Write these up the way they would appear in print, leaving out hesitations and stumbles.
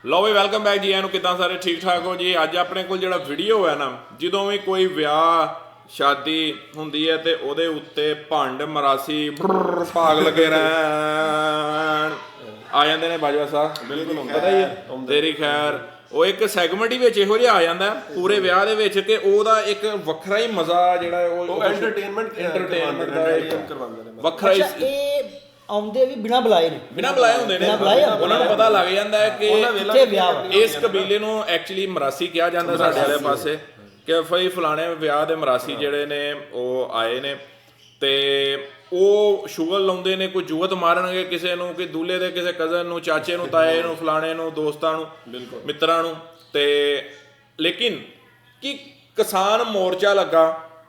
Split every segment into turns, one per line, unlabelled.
ਲਓ ਵੀ welcome back ਜੀ। ਇਹਨੂੰ ਕਿੱਦਾਂ ਸਾਰੇ ਠੀਕ ਠਾਕ ਹੋ ਜੀ। ਅੱਜ ਆਪਣੇ ਕੋਲ ਜਿਹੜਾ ਵੀਡੀਓ ਹੈ ਨਾ, ਜਦੋਂ ਵੀ ਕੋਈ ਵਿਆਹ ਸ਼ਾਦੀ ਹੁੰਦੀ ਹੈ ਤੇ ਉਹਦੇ ਉੱਤੇ ਭੰਡ ਮਰਾਸੀ ਭਾਗ ਲੱਗੇ ਰਹਿਣ ਆ ਜਾਂਦੇ ਨੇ ਬਾਜਵਾ ਸਾਹਿਬ। ਬਿਲਕੁਲ ਪਤਾ ਹੀ ਹੈ ਤੇਰੀ ਖੈਰ। ਉਹ ਇੱਕ ਸੈਗਮੈਂਟ ਹੀ ਵਿੱਚ ਇਹੋ ਜਿਹਾ ਆ ਜਾਂਦਾ ਪੂਰੇ ਵਿਆਹ ਦੇ ਵਿੱਚ ਕਿ ਉਹਦਾ ਇੱਕ ਵੱਖਰਾ ਹੀ ਮਜ਼ਾ ਜਿਹੜਾ ਉਹ ਐਂਟਰਟੇਨਮੈਂਟ ਦਾ ਕਰਵਾਉਂਦੇ ਨੇ ਵੱਖਰਾ ਹੀ।
ਆਉਂਦੇ ਵੀ ਬਿਨਾ ਬੁਲਾਏ ਨੇ,
ਬਿਨਾ ਬੁਲਾਏ ਹੁੰਦੇ ਨੇ। ਉਹਨਾਂ ਨੂੰ ਪਤਾ ਲੱਗ ਜਾਂਦਾ ਹੈ ਕਿ ਇਸ ਕਬੀਲੇ ਨੂੰ ਐਕਚੁਅਲੀ ਮਰਾਸੀ ਕਿਹਾ ਜਾਂਦਾ ਸਾਡੇ ਵਾਲੇ ਪਾਸੇ, ਕਿ ਫਈ ਫਲਾਣੇ ਵਿਆਹ ਦੇ ਮਰਾਸੀ ਜਿਹੜੇ ਨੇ ਉਹ ਆਏ ਨੇ ਤੇ ਉਹ ਸ਼ੁਗਲ ਲਾਉਂਦੇ ਨੇ, ਕੋਈ ਜੂਅਤ ਮਾਰਨਗੇ ਕਿਸੇ ਨੂੰ, ਕਿ ਦੂਲੇ ਦੇ ਕਿਸੇ ਕਜ਼ਨ ਨੂੰ, ਚਾਚੇ ਨੂੰ, ਤਾਏ ਨੂੰ, ਫਲਾਣੇ ਨੂੰ, ਦੋਸਤਾਂ ਨੂੰ, ਮਿੱਤਰਾਂ ਨੂੰ। ਤੇ ਲੇਕਿਨ ਕਿ ਕਿਸਾਨ ਮੋਰਚਾ ਲੱਗਾ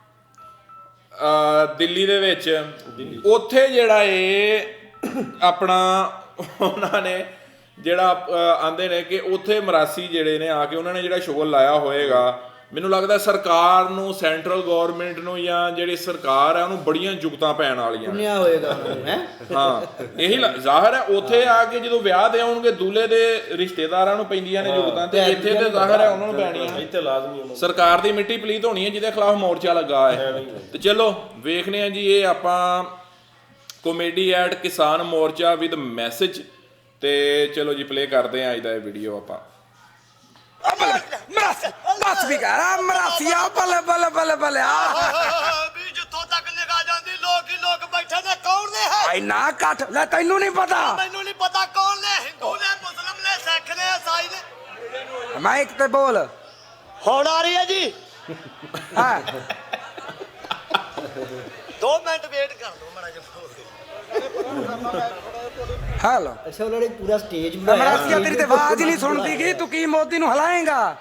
ਦਿੱਲੀ ਦੇ ਵਿੱਚ, ਉੱਥੇ ਜਿਹੜਾ ਇਹ ਆਪਣਾ ਉਹਨਾਂ ਨੇ ਜਿਹੜਾ ਆਂਦੇ ਨੇ ਕਿ ਉੱਥੇ ਮਰਾਸੀ ਜਿਹੜੇ ਨੇ ਆ ਕੇ ਉਹਨਾਂ ਨੇ ਜਿਹੜਾ ਸ਼ੁਗਲ ਲਾਇਆ ਹੋਏਗਾ, ਮੈਨੂੰ ਲੱਗਦਾ ਸਰਕਾਰ ਨੂੰ, ਸੈਂਟਰਲ ਗੌਰਮੈਂਟ ਨੂੰ, ਜਾਂ ਜਿਹੜੀ ਸਰਕਾਰ ਹੈ ਉਹਨੂੰ ਬੜੀਆਂ ਜੁਗਤਾਂ ਪੈਣ ਵਾਲੀਆਂ
ਹੋਏਗਾ
ਹਾਂ। ਇਹੀ ਜ਼ਾਹਰ ਹੈ ਉੱਥੇ ਆ ਕੇ ਜਦੋਂ ਵਿਆਹ ਤੇ ਆਉਣਗੇ ਦੂਲੇ ਦੇ ਰਿਸ਼ਤੇਦਾਰਾਂ ਨੂੰ ਪੈਂਦੀਆਂ ਨੇ ਜੁਗਤਾਂ, ਤੇ ਇੱਥੇ ਤੇ ਜ਼ਾਹਰ ਹੈ ਉਹਨਾਂ ਨੂੰ ਪੈਣੀਆਂ।
ਇੱਥੇ ਲਾਜ਼ਮੀ
ਸਰਕਾਰ ਦੀ ਮਿੱਟੀ ਪਲੀਤ ਹੋਣੀ ਹੈ ਜਿਹਦੇ ਖਿਲਾਫ ਮੋਰਚਾ ਲੱਗਾ ਹੈ। ਤੇ ਚਲੋ ਵੇਖਦੇ ਹਾਂ ਜੀ, ਇਹ ਆਪਾਂ ਕਾਮੇਡੀ ਐਟ ਕਿਸਾਨ ਮੋਰਚਾ ਵਿਦ ਮੈਸੇਜ। ਤੇ ਚਲੋ ਜੀ ਪਲੇ ਕਰਦੇ ਹਾਂ ਅੱਜ ਦਾ ਇਹ ਵੀਡੀਓ ਆਪਾਂ।
ਬਸ ਵੀ ਕਰ ਮਰਾਸੀਆ ਬੱਲੇ ਬੱਲੇ ਬੱਲੇ ਬੱਲੇ
ਵੀ ਜਿੱਥੋਂ ਤੱਕ ਨਿਗਾਹ ਜਾਂਦੀ ਲੋਕ ਹੀ ਲੋਕ ਬੈਠੇ ਨੇ। ਕੌਣ ਨੇ ਹੈ?
ਇੰਨਾ ਕੱਟ ਲੈ, ਤੈਨੂੰ ਨਹੀਂ ਪਤਾ?
ਮੈਨੂੰ ਨਹੀਂ ਪਤਾ ਕੌਣ ਨੇ। ਹਿੰਦੂ ਨੇ, ਮੁਸਲਮ ਨੇ, ਸਿੱਖ ਨੇ, ਈਸਾਈ ਨੇ।
ਮੈਂ ਇੱਕ ਤੇ ਬੋਲ
ਹੁਣ ਆ ਰਹੀ ਹੈ ਜੀ।
ਹਾਂ
2 ਮਿੰਟ ਵੇਟ ਕਰ ਲਓ ਮਾੜਾ ਜਿਹਾ।
ਹੈਲੋ
ਅੱਛਾ, ਉਹਨਾਂ ਨੇ ਪੂਰਾ ਸਟੇਜ
ਮਰਾਸੀਆ ਤੇਰੀ ਤੇ ਆਵਾਜ਼ ਹੀ ਨਹੀਂ ਸੁਣਦੀ ਗਈ, ਤੂੰ ਕੀ ਮੋਦੀ ਨੂੰ ਹਿਲਾਏਂਗਾ?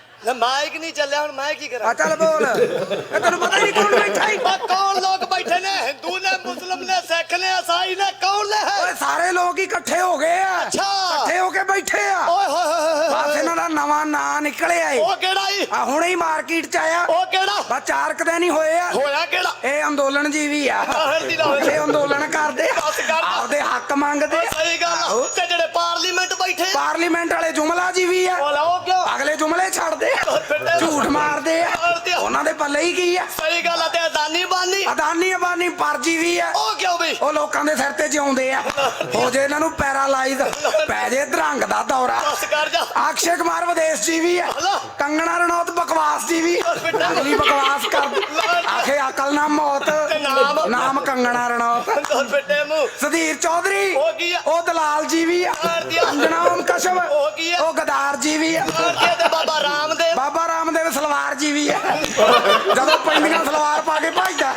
ਮਾਈਕ ਨਹੀਂ ਚੱਲਿਆ, ਹੁਣ ਮੈਂ ਕੀ ਕਰਾਂ?
ਆ ਚੱਲ ਬੋਲ। ਇਹ ਤੈਨੂੰ ਪਤਾ ਹੀ ਨਹੀਂ ਕੌਣ ਬੈਠਾ ਹੀ?
ਕੌਣ ਲੋਕ ਬੈਠੇ ਨੇ? ਹਿੰਦੂ ਨੇ, ਮੁਸਲਮ ਨੇ, ਸਿੱਖ ਨੇ, ਈਸਾਈ ਨੇ। ਕੌਣ ਨੇ ਹੈ?
ਓਏ ਸਾਰੇ ਲੋਕ ਹੀ ਇਕੱਠੇ ਹੋ ਗਏ ਆ।
ਅੱਛਾ।
ਇਕੱਠੇ ਹੋ ਕੇ ਬੈਠੇ ਆ।
ਓਏ ਹੋਏ ਹੋਏ
ਬਸ ਇਹਨਾਂ ਦਾ ਨਵਾਂ ਨਾਂ ਨਿਕਲਿਆ ਏ।
ਉਹ ਕਿਹੜਾ ਈ?
ਆ ਹੁਣੇ ਹੀ ਮਾਰਕੀਟ ਚ ਆਇਆ।
ਉਹ ਕਿਹੜਾ?
ਬਸ 4 ਦਿਨ ਹੀ ਹੋਏ ਆ।
ਹੋਇਆ ਕਿਹੜਾ?
ਇਹ ਅੰਦੋਲਨ ਜੀਵੀ ਆ। ਇਹ ਅੰਦੋਲਨ ਕਰਦੇ ਆ, ਆਪਦੇ ਹੱਕ ਮੰਗਦੇ ਆ।
ਸਹੀ ਗੱਲ। ਤੇ ਜਿਹੜੇ ਪਾਰਲੀਮੈਂਟ ਬੈਠੇ,
ਪਾਰਲੀਮੈਂਟ ਵਾਲੇ ਜੁਮਲਾ ਜੀਵੀ ਆ।
ਉਹ ਕਿਉਂ?
ਅਗਲੇ ਜੁਮਲੇ ਛੱਡਦੇ ਆ, ਝੂਠ ਮਾਰਦੇ ਆ। ਉਹਨਾਂ ਦੇ ਪੱਲੇ ਹੀ ਕੀ ਆ?
ਸਹੀ ਗੱਲ ਆ। ਤੇ ਅਦਾਨੀ ਬਾਨੀ,
ਅਦਾਨੀ ਅਬਾਨੀ ਪਰਜੀ ਵੀ ਆ।
ਉਹ ਕਿਉਂ ਵੀ?
ਉਹ ਲੋਕਾਂ ਦੇ ਸਿਰ ਤੇ ਜਿਉਂਦੇ ਆ। ਹੋ ਜੇ ਇਹਨਾਂ ਨੂੰ ਪੈਰਾਲਾਈਜ਼, ਪੈ ਜੇ ਧਰੰਗ ਦਾ ਦੌਰਾ।
ਬਸ ਕਰ ਜਾ।
ਅਕਸ਼ੇ ਕੁਮਾਰ ਵਿਦੇਸ਼ ਜੀ ਵੀ ਆ। ਕੰਗਣਾ ਰਣੌਤ ਬਕਵਾਸ ਜੀ ਵੀ ਅਗਲੀ ਬਕਵਾਸ ਕਰ ਆਖੇ ਅਕਲ ਨਾ ਮੌਤ, ਨਾਮ ਕੰਗਣਾ ਰਣੌਤ।
ਬੇਟੇ ਨੂੰ
ਸੁਧੀਰ ਚੌਧਰੀ
ਉਹ ਕੀ ਆ?
ਉਹ ਦਲਾਲ ਜੀ ਵੀ ਆ। ਅੰਜਨਾ ਓਮ ਕਸ਼ਮ
ਉਹ ਕੀ ਆ?
ਉਹ ਗਦਾਰ ਜੀ ਵੀ ਆ।
ਤੇ ਬਾਬਾ ਰਾਮਦੇਵ,
ਬਾਬਾ ਰਾਮਦੇਵ ਸਲਵਾਰ ਜੀ ਵੀ ਆ। ਜਦੋਂ ਪੈਂਦੀਆਂ ਸਲਵਾਰ ਪਾ ਕੇ ਭੱਜਦਾ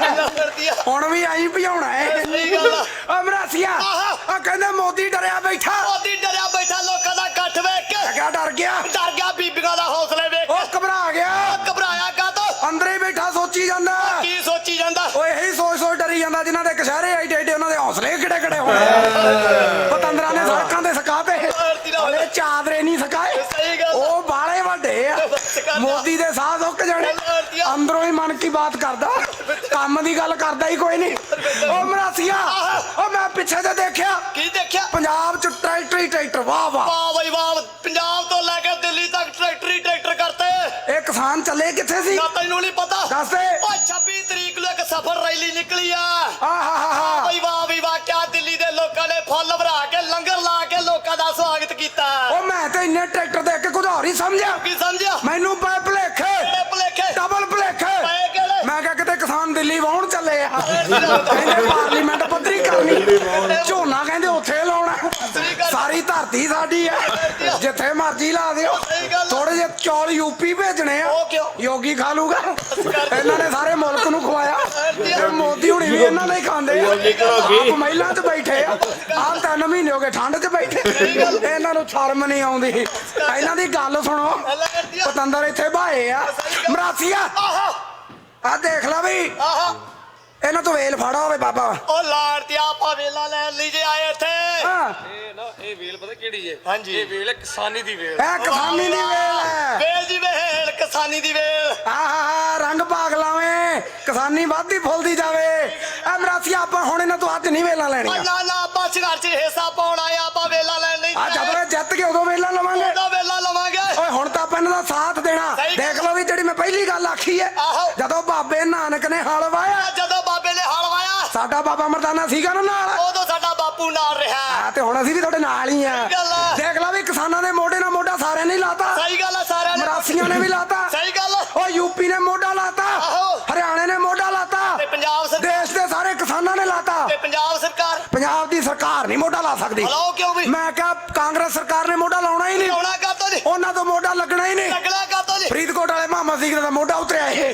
ਹੁਣ ਵੀ ਆਈ ਭਜਾਉਣਾ ਹੈ।
ਸਹੀ ਗੱਲ ਆ।
ਓ ਮਰਾਸੀਆ ਆ ਕਹਿੰਦੇ ਮੋਦੀ ਡਰਿਆ ਬੈਠਾ।
ਮੋਦੀ ਡਰਿਆ ਬੈਠਾ ਲੋਕਾਂ ਦਾ ਇਕੱਠ ਵੇਖ ਕੇ।
ਕਿਆ ਡਰ ਗਿਆ?
ਡਰ ਗਿਆ ਬੀਬੀਆਂ ਦਾ ਹੌਸਲੇ ਵੇਖ
ਉਹ
ਕੇ।
ਘਬਰਾ ਗਿਆ।
ਘਬਰਾਇਆ ਕਾਹਤੋਂ?
ਅੰਦਰ ਹੀ ਬੈਠਾ ਸੋਚੀ ਜਾਂਦਾ।
ਕੀ ਸੋਚੀ ਜਾਂਦਾ?
ਉਹ ਇਹੀ ਸੋਚ ਸੋਚ ਡਰੀ ਜਾਂਦਾ ਜਿਨ੍ਹਾਂ ਦੇ ਕਸ਼ਹਿਰੇ ਐਡੇ ਐਡੇ ਉਹਨਾਂ ਦੇ ਹੌਸਲੇ ਕਿਹੜੇ ਕਿਹੜੇ ਹੋਣੇ। ਪਤੰਦਰਾਂ ਨੇ ਸੜਕਾਂ ਤੇ ਸਕਾਤੇ, ਹਲੇ ਚਾਦਰੇ ਨਹੀਂ ਸਕਾਏ।
ਸਹੀ ਗੱਲ।
ਉਹ ਬਾਲੇ ਵੱਡੇ ਆ। ਮੋਦੀ ਦੇ ਸਾਹ ਸੁੱਕ ਜਾਣੇ। ਅੰਦਰੋਂ ਹੀ ਮਨ ਕੀ ਬਾਤ ਕਰਦਾ, ਕੰਮ ਦੀ ਗੱਲ ਕਰਦਾ ਹੀ ਕੋਈ ਨਹੀਂ। ਉਹ ਮਰਾਸੀਆ ਉਹ ਮੈਂ ਪਿੱਛੇ ਤੇ ਦੇਖਿਆ,
ਕੀ ਦੇਖਿਆ?
ਪੰਜਾਬ ਚ ਟਰੈਕਟਰ ਹੀ ਟਰੈਕਟਰ। ਵਾਹ ਵਾਹ
ਵਾਹ ਬਈ ਵਾਹ। ਪੰਜਾਬ ਤੋਂ ਲੈ ਕੇ ਦਿੱਲੀ ਤੱਕ ਟਰੈਕਟਰ ਹੀ ਟਰੈਕਟਰ ਕਰਤੇ।
ਇਹ ਕਿਸਾਨ ਚੱਲੇ ਕਿੱਥੇ ਸੀ?
ਨਾ ਤੈਨੂੰ ਨਹੀਂ ਪਤਾ?
ਦੱਸ ਦੇ।
ਓਏ 26 ਤਰੀਕ ਨੂੰ ਇੱਕ ਸਫ਼ਰ ਰੈਲੀ ਨਿਕਲੀ ਆ।
ਆਹਾ
ਬਈ ਵਾਹ ਵੀ ਵਾਹ। ਕਿਆ ਦਿੱਲੀ ਦੇ ਲੋਕਾਂ ਨੇ ਫੁੱਲ ਭਰਾ ਕੇ, ਲੰਗਰ ਲਾ ਕੇ ਲੋਕਾਂ ਦਾ ਸਵਾਗਤ ਕੀਤਾ।
ਉਹ ਮੈਂ ਤੇ ਇੰਨੇ ਟਰੈਕਟਰ ਦੇਖ ਕੇ ਕੁਝ ਹੋਰ ਹੀ ਸਮਝਿਆ।
ਕੀ ਸਮਝਿਆ?
ਮੈਨੂੰ ਪਏ ਭੁਲੇਖੇ,
ਕਿਹੜੇ ਭੁਲੇਖੇ?
ਡਬਲ ਭੁਲੇਖੇ।
ਪਏ ਕਿਹੜੇ?
ਮੈਂ ਕਿਹਾ ਕਿਤੇ ਕਿਸਾਨ ਦਿੱਲੀ ਵਾਹੁਣ ਚੱਲੇ ਆ। ਕਹਿੰਦੇ ਪਾਰਲੀਮੈਂਟ ਪੱਧਰੀ ਕਰਨੀ, ਝੋਨਾ ਕਹਿੰਦੇ ਉੱਥੇ ਲਾਉਣਾ। ਸਾਰੀ ਧਰਤੀ ਸਾਡੀ ਆ, ਜਿੱਥੇ ਮਰਜ਼ੀ ਲਾ ਦਿਓ। ਥੋੜੇ ਜਿਹੇ ਚੌਲ ਯੂਪੀ ਭੇਜਣੇ ਆ, ਯੋਗੀ ਖਾ ਲੂਗਾ। ਇਹਨਾਂ ਨੇ ਸਾਰੇ ਮੁਲਕ ਨੂੰ ਖਵਾਇਆ। ਤੇ ਮੋਦੀ ਹੁਣੀ ਵੀ ਇਹਨਾਂ ਨੇ ਖਾਂਦੇ ਆ। ਆਪ ਮਹਿਲਾਂ 'ਚ ਬੈਠੇ ਆ। ਆਪ 3 ਮਹੀਨੇ ਹੋ ਗਏ ਠੰਡ 'ਚ ਬੈਠੇ। ਇਹਨਾਂ ਨੂੰ ਸ਼ਰਮ ਨਹੀਂ ਆਉਂਦੀ। ਇਹਨਾਂ ਦੀ ਗੱਲ ਸੁਣੋ, ਪਤੰਦਰ ਇੱਥੇ ਭਾਏ ਆ। ਮਰਾਸੀਆ ਆ ਦੇਖ ਲੈ ਵੀ, ਇਹਨਾਂ ਤੋਂ ਵੇਲ ਫੜਾ ਹੋਵੇ ਬਾਬਾ।
ਉਹ ਲਾੜ ਤੇ ਆਪਾਂ ਵੇਲਾ ਲੈਣ ਲਈ ਜੇ ਆਏ ਇੱਥੇ।
ਹਾਂ
ਇਹ ਵੇਲ ਪਤਾ ਕਿਹੜੀ ਏ?
ਹਾਂਜੀ।
ਇਹ ਵੇਲ ਕਿਸਾਨੀ ਦੀ ਵੇਲ।
ਇਹ ਕਿਸਾਨੀ ਦੀ ਵੇਲ ਹੈ।
ਵੇਲ ਜੀ ਵੇਲ, ਕਿਸਾਨੀ ਦੀ ਵੇਲ।
ਆਹਾ ਰੰਗ ਭਾਗ ਲਾਵੇਂ, ਕਿਸਾਨੀ ਵੱਧਦੀ ਫੁੱਲਦੀ ਜਾਵੇ। ਇਹ ਮਰਾਸੀਆ ਆਪਾਂ ਹੁਣ ਇਹਨਾਂ ਤੋਂ ਅੱਜ ਨਹੀਂ ਵੇਲਾਂ ਲੈਣੀਆਂ।
ਨਾ ਨਾ ਆਪਾਂ ਸੰਘਰਸ਼ ਹਿੱਸਾ ਪਾਉਣਾ ਆ। ਆਪਾਂ ਵੇਲਾ ਲੈਣ ਨਹੀਂ।
ਆ ਜਦੋਂ ਇਹ ਜਿੱਤ ਕੇ ਉਦੋਂ ਵੇਲਾਂ ਲਵਾਂਗੇ। ਸਾਥ ਦੇਣਾ।
ਸਹੀ ਗੱਲ।
ਦੇਖ ਲਓ ਵੀ ਜਿਹੜੀ ਮੈਂ ਪਹਿਲੀ ਗੱਲ ਆਖੀ ਹੈ,
ਆਹੋ।
ਜਦੋਂ ਬਾਬੇ ਨਾਨਕ ਨੇ ਹਲ ਵਾਇਆ,
ਜਦੋਂ ਬਾਬੇ ਨੇ ਹਲ ਵਾਇਆ
ਸਾਡਾ ਬਾਬਾ ਮਰਦਾਨਾ ਸੀਗਾ ਨਾ ਨਾਲ,
ਉਦੋਂ ਸਾਡਾ ਬਾਪੂ ਨਾਲ ਰਿਹਾ।
ਆ ਤੇ ਹੁਣ ਅਸੀਂ ਵੀ ਤੁਹਾਡੇ ਨਾਲ ਹੀ ਆ।
ਸਹੀ ਗੱਲ ਆ।
ਦੇਖ ਲਓ ਵੀ ਕਿਸਾਨਾਂ ਨੇ ਮੋਢੇ ਨਾਲ ਮੋਢਾ ਸਾਰਿਆਂ ਨੇ ਲਾਤਾ,
ਸਹੀ ਗੱਲ ਆ, ਸਾਰਿਆਂ ਨੇ
ਮਰਾਸੀਆਂ ਨੇ ਵੀ ਲਾਤਾ,
ਸਹੀ ਗੱਲ ਆ।
ਉਹ ਯੂਪੀ ਨੇ ਮੋਢਾ ਲਾਤਾ,
ਆਹੋ।
ਹਰਿਆਣੇ ਨੇ ਮੋਢਾ ਲਾਤਾ,
ਤੇ ਪੰਜਾਬ ਸਰਕਾਰ
ਦੇਸ਼ ਦੇ ਸਾਰੇ ਕਿਸਾਨਾਂ ਨੇ ਲਾਤਾ।
ਤੇ ਪੰਜਾਬ ਸਰਕਾਰ
ਪੰਜਾਬ ਦੀ ਸਰਕਾਰ ਨਹੀਂ ਮੋਢਾ ਲਾ ਸਕਦੀ।
ਹਲਾਓ ਕਿਉਂ ਵੀ
ਮੈਂ ਕਿਹਾ ਕਾਂਗਰਸ ਸਰਕਾਰ ਨੇ ਮੋਢਾ ਲਾਉਣਾ ਹੀ ਨਹੀਂ,
ਆਉਣਾ ਕਾਤੋਂ ਨਹੀਂ
ਉਹਨਾਂ ਤੋਂ ਮੋਢਾ ਲੱਗਣਾ ਹੀ ਨਹੀਂ।
ਲੱਗਣਾ ਕਾਤੋਂ ਨਹੀਂ
ਫਰੀਦਕੋਟ ਵਾਲੇ ਮਾਮਾ ਸਿੰਘ ਦਾ ਮੋਢਾ ਉਤਰਿਆ ਇਹ,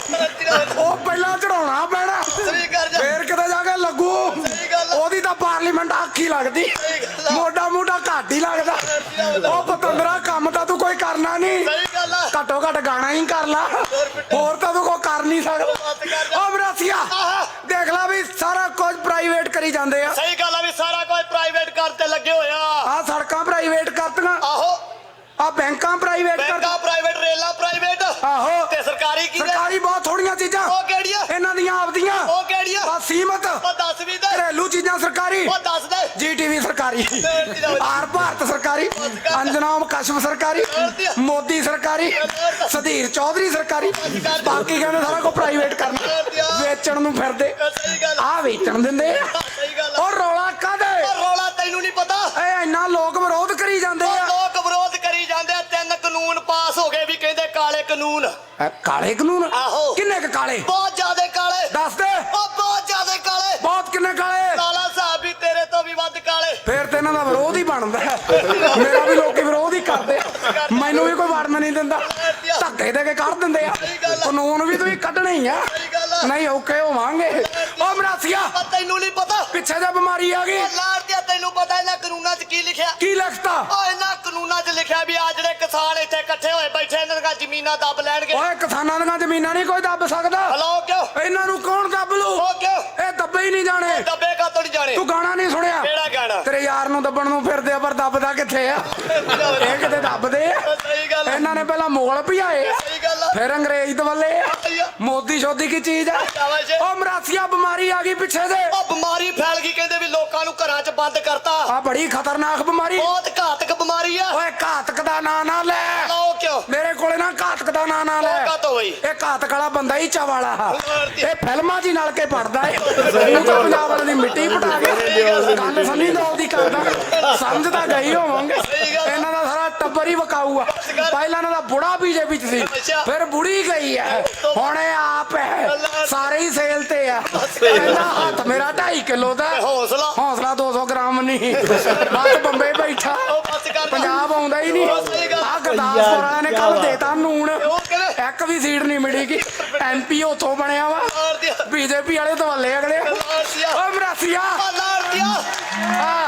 ਉਹ ਪਹਿਲਾਂ ਚੜਾਉਣਾ ਪੈਣਾ,
ਸਹੀ ਕਰ ਜਾ
ਫੇਰ ਕਿਤੇ ਜਾ ਕੇ ਲੱਗੂ।
ਸਹੀ ਗੱਲ ਆ।
ਉਹਦੀ ਤਾਂ ਪਾਰਲੀਮੈਂਟ ਆਖੀ ਲੱਗਦੀ,
ਸਹੀ ਗੱਲ ਆ।
ਮੋਢਾ ਮੋਢਾ ਘੱਟ ਹੀ ਲੱਗਦਾ। ਉਹ ਪਤੰਦਰਾ ਕੰਮ ਤਾਂ ਤੂੰ ਕੋਈ ਕਰਨਾ ਨਹੀਂ,
ਸਹੀ ਗੱਲ ਆ।
ਘੱਟੋ ਘੱਟ ਗਾਣਾ ਹੀ ਕਰ ਲਾ, ਹੋਰ ਤਾਂ ਤੂੰ ਕੋਈ ਕਰ ਨਹੀਂ ਸਕਦਾ।
ਬਸ ਕਰ ਜਾ।
ਉਹ ਮਰਾਸੀਆ
ਆਹਾ।
ਦੇਖ ਲੈ ਵੀ ਸਾਰਾ ਕੁਝ ਪ੍ਰਾਈਵੇਟ ਕਰੀ ਜਾਂਦੇ ਆ,
ਸਹੀ ਗੱਲ ਆ ਵੀ ਸਾਰਾ ਕੋਈ ਪ੍ਰਾਈਵੇਟ ਕਰਤੇ ਲੱਗੇ ਹੋਇਆ।
ਆ ਸੜਕਾਂ ਪ੍ਰਾਈਵੇਟ ਕਰਤੀਆਂ,
ਆਹੋ
ਆ ਬੈਂਕਾਂ ਪ੍ਰਾਈਵੇਟ ਕਰ,
ਬੈਂਕਾਂ ਪ੍ਰਾਈਵੇਟ, ਰੇਲਾਂ ਪ੍ਰਾਈਵੇਟ
ਆਹੋ
ਤੇ ਸਰਕਾਰੀ ਕੀ ਨੇ?
ਸਰਕਾਰੀ ਬਹੁਤ ਥੋੜੀਆਂ ਚੀਜ਼ਾਂ
ਉਹ ਕਿਹੜੀਆਂ
ਇਹਨਾਂ ਦੀਆਂ ਆਪਦੀਆਂ,
ਉਹ ਕਿਹੜੀਆਂ
ਬਸ ਸੀਮਤ
ਉਹ ਦੱਸ ਵੀ ਦੇ
ਘਰੇਲੂ ਚੀਜ਼ਾਂ ਸਰਕਾਰੀ,
ਉਹ ਦੱਸ ਦੇ
ਜੀਟੀਵੀ ਸਰਕਾਰੀ, ਆਰ ਭਾਰਤ ਸਰਕਾਰੀ, ਅੰਜਨਾਮ ਕਸ਼ਮ ਸਰਕਾਰੀ, ਮੋਦੀ ਸਰਕਾਰੀ, ਸੁਧੀਰ ਚੌਧਰੀ ਸਰਕਾਰੀ, ਬਾਕੀ ਕਹਿੰਦੇ ਸਾਰਾ ਕੁਝ ਪ੍ਰਾਈਵੇਟ ਕਰਨਾ, ਵੇਚਣ ਨੂੰ ਫਿਰਦੇ,
ਸਹੀ ਗੱਲ
ਆ ਵੇਚਣ ਦਿੰਦੇ ਆ।
ਸਹੀ ਗੱਲ ਆ।
ਉਹ ਰੌਲਾ ਕਾਹਦੇ,
ਉਹ ਰੌਲਾ ਤੈਨੂੰ ਨਹੀਂ ਪਤਾ
ਇਹ ਇੰਨਾ ਲੋਕ ਵਿਰੋਧ ਕਰੀ ਜਾਂਦੇ
ਉਹ
ਆ।
ਲੋਕ ਵਿਰੋਧ ਕਰੀ ਜਾਂਦੇ ਆ। 3 ਕਾਨੂੰਨ ਪਾਸ ਹੋ ਗਏ ਵੀ ਕਹਿੰਦੇ ਕਾਲੇ ਕਾਨੂੰਨ।
ਇਹ ਕਾਲੇ ਕਾਨੂੰਨ
ਆਹੋ।
ਕਿੰਨੇ ਕੁ ਕਾਲੇ
ਬਹੁਤ ਜ਼ਿਆਦੇ ਕਾਲੇ।
ਦੱਸ ਦੇ,
ਉਹ ਬਹੁਤ ਜ਼ਿਆਦੇ ਕਾਲੇ।
ਬਹੁਤ ਕਿੰਨੇ ਕਾਲੇ,
ਕਾਲਾ ਸਾਹਿਬ ਵੀ ਤੇਰੇ ਤੋਂ ਵੀ ਵੱਧ ਕਾਲੇ।
ਫੇਰ ਤੇ ਇਹਨਾਂ ਦਾ ਵਿਰੋਧ ਹੀ ਬਣਦਾ ਹੈ। ਮੇਰਾ ਵੀ ਲੋਕੀ ਵਿਰੋਧ ਹੀ ਕਰਦੇ ਆ, ਮੈਨੂੰ ਵੀ ਕੋਈ ਵੜਨ ਨਹੀਂ ਦਿੰਦਾ, ਧੱਕੇ ਦੇ ਕੇ ਕੱਢ ਦਿੰਦੇ ਆ। ਕਾਨੂੰਨ ਵੀ ਤੁਸੀਂ ਕੱਢਣੇ ਹੀ ਆ,
ਸਹੀ ਗੱਲ ਆ।
ਨਹੀਂ ਔਖੇ ਹੋਵਾਂਗੇ। ਉਹ ਮਰਾਸੀਆ
ਪਰ ਤੈਨੂੰ ਨਹੀਂ ਪਤਾ
ਪਿੱਛੇ ਜੇ ਬਿਮਾਰੀ ਆ ਗਈ,
ਉਹ ਲਾੜ ਦਿਆ ਤੈਨੂੰ ਪਤਾ ਇਹਨਾਂ ਕਾਨੂੰਨਾਂ 'ਚ ਕੀ ਲਿਖਿਆ?
ਕੀ ਲਿਖਤਾ?
ਉਹ ਇਹਨਾਂ ਕਾਨੂੰਨਾਂ 'ਚ ਲਿਖਿਆ ਵੀ ਆ ਜਿਹੜੇ ਕਿਸਾਨ ਇੱਥੇ ਇਕੱਠੇ ਹੋਏ ਬੈਠੇ ਇਹਨਾਂ ਦੀਆਂ ਜ਼ਮੀਨਾਂ ਦੱਬ ਲੈਣਗੇ।
ਓਏ ਕਿਸਾਨਾਂ ਦੀਆਂ ਜ਼ਮੀਨਾਂ ਨਹੀਂ ਕੋਈ ਦੱਬ ਸਕਦਾ।
ਹਲਾਓ ਕਿਉਂ?
ਇਹਨਾਂ ਨੂੰ ਕੌਣ ਦੱਬ ਲੂ?
ਉਹ ਕਿਉਂ?
ਇਹ ਦੱਬੇ ਹੀ ਨਹੀਂ ਜਾਣੇ।
ਦੱਬੇ ਕਾਤੋਂ ਨਹੀਂ ਜਾਣੇ?
ਤੂੰ ਗਾਣਾ ਨਹੀਂ ਸੁਣਿਆ?
ਕਿਹੜਾ ਗਾਣਾ?
ਤੇਰੇ ਯਾਰ ਨੂੰ ਦੱਬਣ ਨੂੰ ਫਿਰਦੇ ਆ ਪਰ ਦੱਬਦਾ ਕਿੱਥੇ ਆ? ਇਹ ਕਿਤੇ ਦੱਬਦੇ ਆ।
ਸਹੀ ਗੱਲ ਆ।
ਇਹਨਾਂ ਨੇ ਪਹਿਲਾਂ ਮੁਗਲ ਭਜਾਏ ਆ,
ਸਹੀ ਗੱਲ ਆ।
ਫਿਰ ਅੰਗਰੇਜ਼ ਦਵੱਲੇ ਆ।
ਸਹੀ ਆ।
ਮੋਦੀ ਸ਼ੋਦੀ ਕੀ ਚੀਜ਼ ਆ?
ਸ਼ਾਬਾਸ਼।
ਉਹ ਮਰਾਸੀਆ ਬਿਮਾਰੀ ਆ ਗਈ ਪਿੱਛੇ ਦੇ,
ਉਹ ਬਿਮਾਰੀ ਫੈਲ ਗਈ ਕਹਿੰਦੇ ਵੀ ਲੋਕਾਂ ਨੂੰ ਘਰਾਂ 'ਚ ਬੰਦ ਕਰਤਾ।
ਆ ਬੜੀ ਖਤਰਨਾਕ ਬਿਮਾਰੀ।
ਬਹੁਤ ਘਾਤਕ ਬਿਮਾਰੀ ਆ।
ਓਏ ਘਾਤਕ ਦਾ ਨਾਂ ਨਾ ਲੈ,
ਹਲਾਓ ਕਿਉਂ?
ਮੇਰੇ ਕੋਲੇ ਨਾ ਘਾਤਕ ਦਾ ਨਾਂ ਨਾ ਲੈ।
ਉਹ ਕਾਤੋਂ ਹੋਈ?
ਇਹ ਘਾਤਕ ਵਾਲਾ ਬੰਦਾ ਹੀ ਚਾਵਾਲਾ, ਇਹ ਫਿਲਮਾਂ 'ਚ ਹੀ ਨਲ ਕੇ ਪੜਦਾ ਏ। ਉਹ ਤਾਂ ਪੰਜਾਬ ਵਾਲੇ ਦੀ ਮਿੱਟੀ ਪਟਾ ਕੇ ਗੱਲ ਸੰਨੀ ਦਿਓਲ ਦੀ ਕਰਦਾ, ਸਮਝ ਤਾਂ ਗਈ ਹੋਵਾਂਗੇ। ਇਹਨਾਂ ਦਾ ਸਾਰਾ ਟੱਬਰ ਹੀ ਵਕਾਊ ਆ। ਪਹਿਲਾਂ ਇਹਨਾਂ ਦਾ ਬੁੜਾ ਬੀਜੇਪੀ 'ਚ ਸੀ, ਫਿਰ ਬੁੜੀ ਗਈ ਆ, ਹੁਣ ਇਹ ਆਪ ਹੈ, ਸਾਰੇ ਹੀ ਸੇਲ ਤੇ ਆ। ਇਹਦਾ ਹੱਥ ਮੇਰਾ 2.5 ਕਿਲੋ ਦਾ,
ਹੌਸਲਾ
ਹੌਸਲਾ 200 ਗ੍ਰਾਮ ਨਹੀਂ, ਬਸ ਬੰਬੇ ਬੈਠਾ,
ਉਹ ਬਸ ਕਰ।
ਪੰਜਾਬ ਆਉਂਦਾ ਹੀ ਨਹੀਂ। ਆ ਗੁਰਦਾਸਪੁਰ ਵਾਲਿਆਂ ਨੇ ਕੱਲ ਦੇਤਾ ਨੂਣ,
ਉਹ ਕਿਵੇਂ?
ਇੱਕ ਵੀ ਸੀਟ ਨਹੀਂ ਮਿਲੀਗੀ। ਐਮਪੀ ਉੱਥੋਂ ਬਣਿਆ ਵਾ,
ਲਾੜ ਦਿਆ।
ਬੀਜੇਪੀ ਵਾਲੇ ਦਵਾਲੇ ਅਗਲੇ।
ਲਾੜ ਦਿਆ।
ਓ ਮਰਾਸੀਆ
ਉਹ ਲਾੜ ਦਿਆ।
ਆ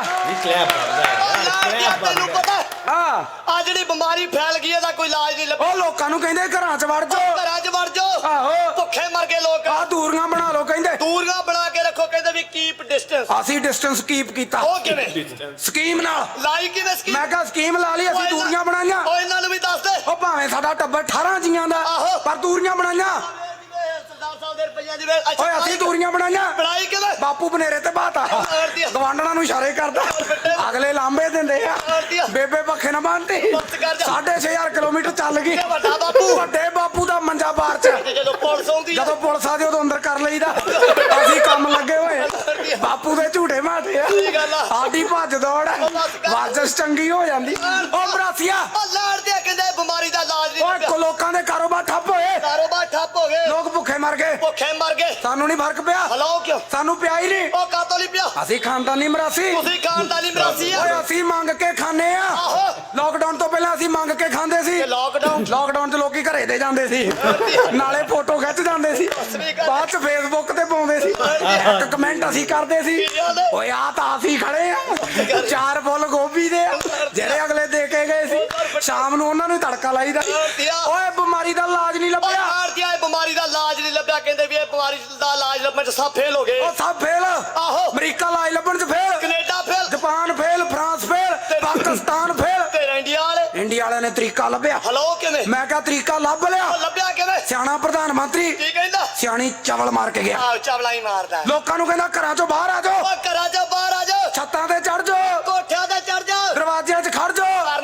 ਉਹ ਲਾੜ ਦਿਆ ਤੈਨੂੰ ਪਤਾ
ਆ
ਆ ਜਿਹੜੀ ਬਿਮਾਰੀ ਫੈਲ ਗਈ ਇਹਦਾ ਕੋਈ ਇਲਾਜ ਨਹੀਂ ਲੱਭਾ।
ਉਹ ਲੋਕਾਂ ਨੂੰ ਕਹਿੰਦੇ ਘਰਾਂ 'ਚ ਵੜ ਜਾਓ,
ਘਰਾਂ 'ਚ ਵੜ ਜਾਓ।
ਆਹੋ
ਭੁੱਖੇ ਮਰ ਗਏ ਲੋਕ।
ਆ ਦੂਰੀਆਂ ਬਣਾ ਲਓ ਕਹਿੰਦੇ।
ਦੂਰੀਆਂ ਬਣਾ ਕੇ ਰੱਖੋ ਕਹਿੰਦੇ ਵੀ ਕੀਪ ਡਿਸਟੈਂਸ।
ਅਸੀਂ ਡਿਸਟੈਂਸ ਕੀਪ ਕੀਤਾ
ਉਹ ਕਿਵੇਂ?
ਸਕੀਮ ਨਾਲ।
ਲਾਈ ਕਿਵੇਂ ਸਕੀਮ?
ਮੈਂ ਕਿਹਾ ਸਕੀਮ ਲਾ ਲਈ, ਅਸੀਂ ਦੂਰੀਆਂ ਬਣਾਈਆਂ।
ਉਹ ਇਹਨਾਂ ਨੂੰ ਵੀ ਦੱਸ ਦੇ।
ਉਹ ਭਾਵੇਂ ਸਾਡਾ ਟੱਬਰ 18 ਜੀਆਂ ਦਾ,
ਆਹੋ।
ਪਰ ਦੂਰੀਆਂ ਬਣਾਈਆਂ।
ਸਰਦਾਰ ਸਾਹਿਬ ਦੇ ਰੁਪਈਆਂ ਜਿਵੇਂ
ਓਏ ਅਸੀਂ ਦੂਰੀਆਂ ਬਣਾਈਆਂ।
ਬਣਾਈ ਕਿਵੇਂ?
ਬਾਪੂ ਬਨੇਰੇ ਤੇ ਬਾਤਾ ਗਵਾਂਡਣਾ ਨੂੰ ਇਸ਼ਾਰੇ ਕਰਦਾ, ਅਗਲੇ ਲਾਂਬੇ ਦਿੰਦੇ ਆ। ਬੇਬੇ ਪੱਖੇ ਨਾ ਬੰਨਤੀ, 6500 ਕਿਲੋਮੀਟਰ ਚੱਲ ਗਈ।
ਵੱਡਾ ਬਾਪੂ।
ਵੱਡੇ ਬਾਪੂ ਦਾ ਮੰਜਾ ਬਾਹਰ ਚ,
ਤੇ ਜਦੋਂ ਪੁਲਿਸ ਆਉਂਦੀ ਆ
ਜਦੋਂ ਪੁਲਿਸ ਆਦੀ ਉਦੋਂ ਅੰਦਰ ਕਰ ਲਈਦਾ। ਅਸੀਂ ਕੰਮ ਲੱਗੇ ਹੋਏ, ਬਾਪੂ ਦੇ ਝੂਟੇ ਮਾਰਦੇ ਆ।
ਸਹੀ ਗੱਲ ਆ।
ਸਾਡੀ ਭੱਜ ਦੌੜ ਵਰਜਿਸ਼ ਚੰਗੀ ਹੋ ਜਾਂਦੀ। ਉਹ ਮਰਾਸੀਆ
ਉਹ ਲਾੜ ਦਿਆ ਕਹਿੰਦੇ ਬਿਮਾਰੀ ਦਾ ਇਲਾਜ ਨਹੀਂ
ਓਏ
ਲੱਭਿਆ।
ਲੋਕਾਂ ਦੇ ਕਾਰੋਬਾਰ ਠੱਪ ਹੋਏ,
ਕਾਰੋਬਾਰ ਠੱਪ ਹੋ ਗਏ,
ਲੋਕ ਭੁੱਖੇ ਮਰ ਗਏ।
ਭੁੱਖੇ ਮਰ ਗਏ।
ਸਾਨੂੰ ਨਹੀਂ ਫਰਕ ਪਿਆ,
ਹਲਾਓ ਕਿਉਂ?
ਸਾਨੂੰ ਪਿਆ ਹੀ ਨਹੀਂ।
ਉਹ ਕਾਤੋਂ ਨਹੀਂ ਪਿਆ?
ਅਸੀਂ ਖਾਨਦਾਨੀ ਮਰਾਸੀ,
ਤੁਸੀਂ ਖਾਨਦਾਨੀ ਮਰਾਸੀ ਆ।
ਓਏ ਅਸੀਂ ਮੰਗ ਕੇ ਖਾਂਦੇ ਆ।
ਆਹੋ।
ਲਾਕਡਾਊਨ ਤੋਂ ਪਹਿਲਾਂ ਅਸੀਂ ਮੰਗ ਕੇ ਖਾਂਦੇ ਸੀ।
ਇਹ ਲਾਕਡਾਊਨ
ਲਾਕਡਾਊਨ 'ਚ ਲੋਕੀ ਘਰੇ ਦੇ ਜਾਂਦੇ ਸੀ, ਨਾਲੇ ਫੋਟੋ ਖਿੱਚ ਜਾਂਦੇ ਸੀ, ਬਾਅਦ 'ਚ ਫੇਸਬੁੱਕ ਤੇ ਪਾਉਂਦੇ ਸੀ, ਇੱਕ ਕਮੈਂਟ ਅਸੀਂ ਕਰਦੇ ਸੀ, ਓਏ ਆ ਤਾਂ ਅਸੀਂ ਖੜੇ ਆ 4 ਫੁੱਲ ਗੋਭੀ ਦੇ ਆ, ਜਿਹੜੇ ਅਗਲੇ ਦੇ ਕੇ ਗਏ ਸੀ। ਸ਼ਾਮ ਨੂੰ ਉਹਨਾਂ ਨੂੰ ਤੜਕਾ ਲਾਈਦਾ। ਓਏ ਬਿਮਾਰੀ ਦਾ ਇਲਾਜ ਨਹੀਂ ਲੱਭਿਆ।
ਲਾੜ ਦਿਆ ਇਹ ਬਿਮਾਰੀ ਦਾ ਇਲਾਜ ਨਹੀਂ ਲੱਭਿਆ। ਕਹਿੰਦੇ ਵੀ ਇਹ ਬਿਮਾਰੀ ਦਾ ਇਲਾਜ ਲੱਭਣ 'ਚ ਸਭ ਫੇਲ ਹੋ ਗਏ।
ਉਹ ਸਭ ਫੇਲ।
ਆਹੋ।
ਅਮਰੀਕਾ ਇਲਾਜ ਲੱਭਣ 'ਚ fail,
Canada fail,
Japan fail, France fail, Pakistan fail.
ਤੇ ਇੰਡੀਆ ਵਾਲੇ
ਇੰਡੀਆ ਵਾਲਿਆਂ ਨੇ ਤਰੀਕਾ ਲੱਭਿਆ।
ਹਲਾਓ ਕਿਵੇਂ?
ਮੈਂ ਕਿਹਾ ਤਰੀਕਾ ਲੱਭ ਲਿਆ।
ਉਹ ਲੱਭਿਆ ਕਿਵੇਂ?
ਸਿਆਣਾ ਪ੍ਰਧਾਨ ਮੰਤਰੀ
ਕੀ ਕਹਿੰਦਾ?
ਸਿਆਣੀ ਚਵਲ ਮਾਰ ਕੇ ਗਿਆ।
ਆਹ ਚਾਵਲਾ ਹੀ ਮਾਰਦਾ।
ਲੋਕਾਂ ਨੂੰ ਕਹਿੰਦਾ ਘਰਾਂ 'ਚੋਂ ਬਾਹਰ ਆ ਜਾਓ,
ਉਹ ਘਰਾਂ 'ਚੋਂ ਬਾਹਰ ਆ ਜਾਓ,
ਛੱਤਾਂ ਤੇ ਚੜ ਜਾਓ,
ਕੋਠਿਆਂ ਤੇ ਚੜ ਜਾਓ,
ਦਰਵਾਜ਼ਿਆਂ 'ਚ ਖੜ ਜਾਓ।
ਕਰਨਾ ਕੀ ਹੈ?